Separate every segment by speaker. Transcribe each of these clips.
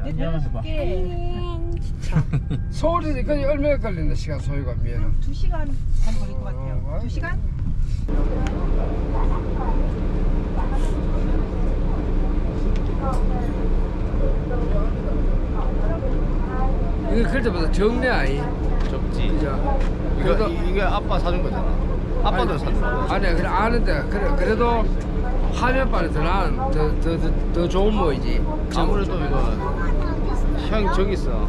Speaker 1: 서울에서까지 얼마나 걸린다 시간 소요가 미에는
Speaker 2: 2시간 반 걸릴 것 같아요. 2시간?
Speaker 1: 이거 그럴 때보다 적네 아이.
Speaker 3: 적지. 이거 아빠 사준 거잖아. 아빠도 사준 거야.
Speaker 1: 아니야 그래 아는데 그래도 화면빨에 더 좋은 모이지.
Speaker 3: 아무래도 이거 형 저기 있어.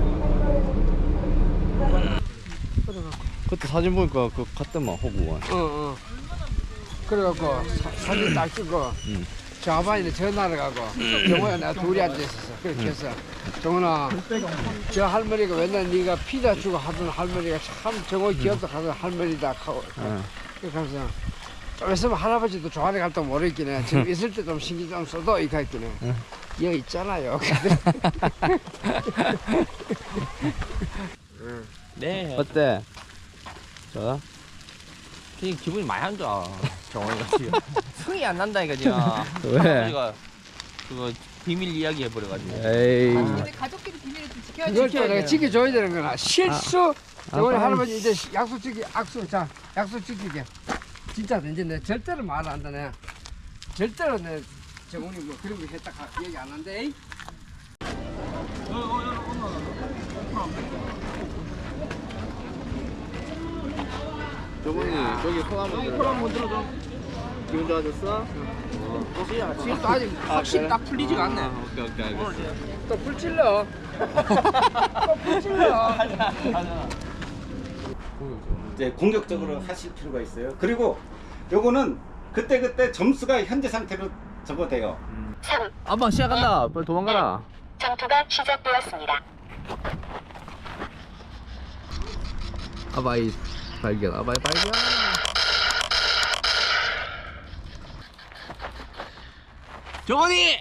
Speaker 3: 그때 사진 보니까 그 갔더만 호구원.
Speaker 1: 어. 그래갖고 사진 딱 찍고 저 아바이는 전화를 가고 정호야 내가 둘이 앉아있었어. 그렇게 해서 정훈아 저 할머니가 맨날 네가 피자 주고 하던 할머니가 참 정호 귀엽다 하던 할머니다 하고 그렇게 하면서 좀 있으면 할아버지도 조안에 갈 때 모르겠긴 해. 지금 있을 때 좀 신경 좀 써도 이거 있긴 해. 여기 있잖아요.
Speaker 4: 네.
Speaker 3: 어때? 자,
Speaker 4: 그냥 기분이 많이 안 좋아. 정원이가 지금 승이 안 난다니까 지금.
Speaker 3: 왜?
Speaker 4: 할아버지가 그거 비밀 이야기 해버려가지고.
Speaker 3: 에이.
Speaker 2: 근데 가족끼리 비밀을 좀 지켜야
Speaker 1: 이걸 또 내가
Speaker 2: 돼요.
Speaker 1: 지켜줘야 되는 거나 실수. 정훈이
Speaker 3: 빨리.
Speaker 1: 할아버지 이제 약속 지키 악수 자 약속 지키게. 진짜 이제 내 절대로 말 안 하네. 절대로 내 정훈이 뭐 그런 거 했다 얘기 안 한대.
Speaker 3: 저분이 저기 손한번 들어줘. 기분 좋아졌어?
Speaker 4: 지금도 아직 확실히 딱 풀리지가 않네.
Speaker 3: 오케이 알겠어.
Speaker 1: 또 불질러. 또 불질러.
Speaker 5: 이제 공격적으로 하실 필요가 있어요. 그리고 요거는 그때 점수가 현재 상태로 적어돼요.
Speaker 3: 아빠 시작한다. 빨리 도망가라.
Speaker 6: 전투가 시작되었습니다.
Speaker 3: 아바이 발견. 아바이 발견.
Speaker 4: 정원이!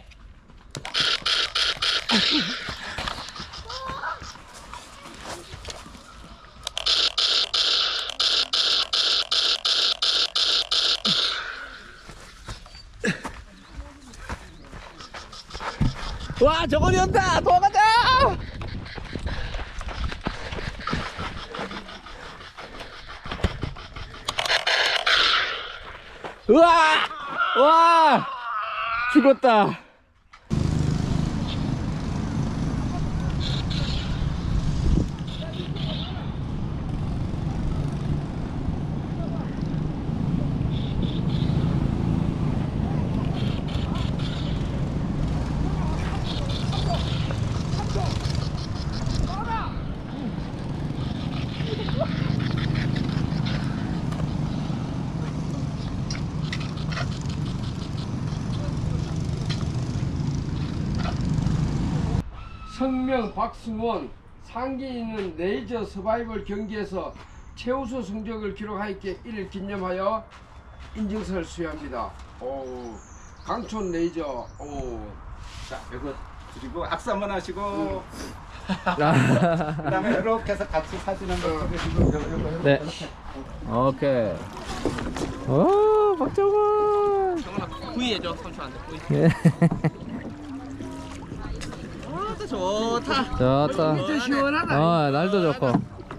Speaker 4: 와, 정원이 온다! 도망가자! 우와! 와! 죽었다.
Speaker 1: 성명 박승원 상기 있는 레이저 서바이벌 경기에서 최우수 성적을 기록하였기에 이를 기념하여 인증서를 수여합니다. 오, 강촌 레이저. 오.
Speaker 5: 자, 이거 그리고 악수 한번 하시고 그다음에 이렇게 해서 같이 사진 한번 찍으시고
Speaker 3: 네. 오케이. 오, 박정원.
Speaker 4: 정원아, 구이해줘, 삼촌한테 구이.
Speaker 3: 예.
Speaker 4: 아, 좋다.
Speaker 3: 좋다.
Speaker 1: 진짜 시원하다.
Speaker 3: 날도 좋고.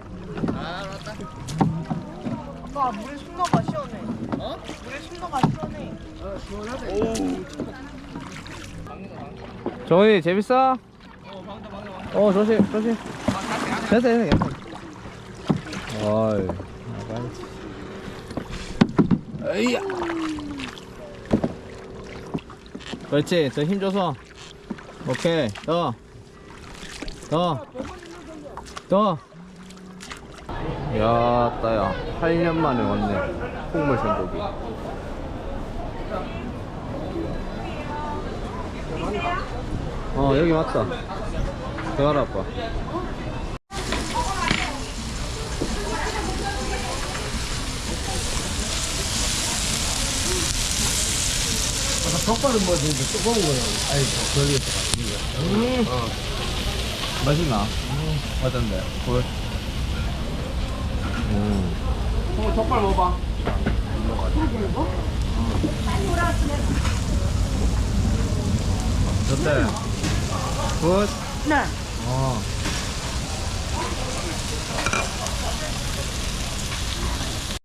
Speaker 2: 아빠 물에 숨어가 시원해. 어? 물에 숨어가 시원해.
Speaker 1: 시원하다.
Speaker 3: 정원이 재밌어? 조심. 됐어. 어이. 에이야. 그렇지. 저 힘 줘서. 오케이. 더. 야, 따야. 8년 만에 왔네. 콩물 생고기. 여기 맞다. 들어가라, 아빠.
Speaker 1: 족발은 뭐 진짜 뜨거운 거야. 아이 별리에서 같은 거.
Speaker 3: 맛있나? 어떤데? 굴.
Speaker 1: 형 족발 먹어봐.
Speaker 3: 좋대. 굿.
Speaker 2: 네.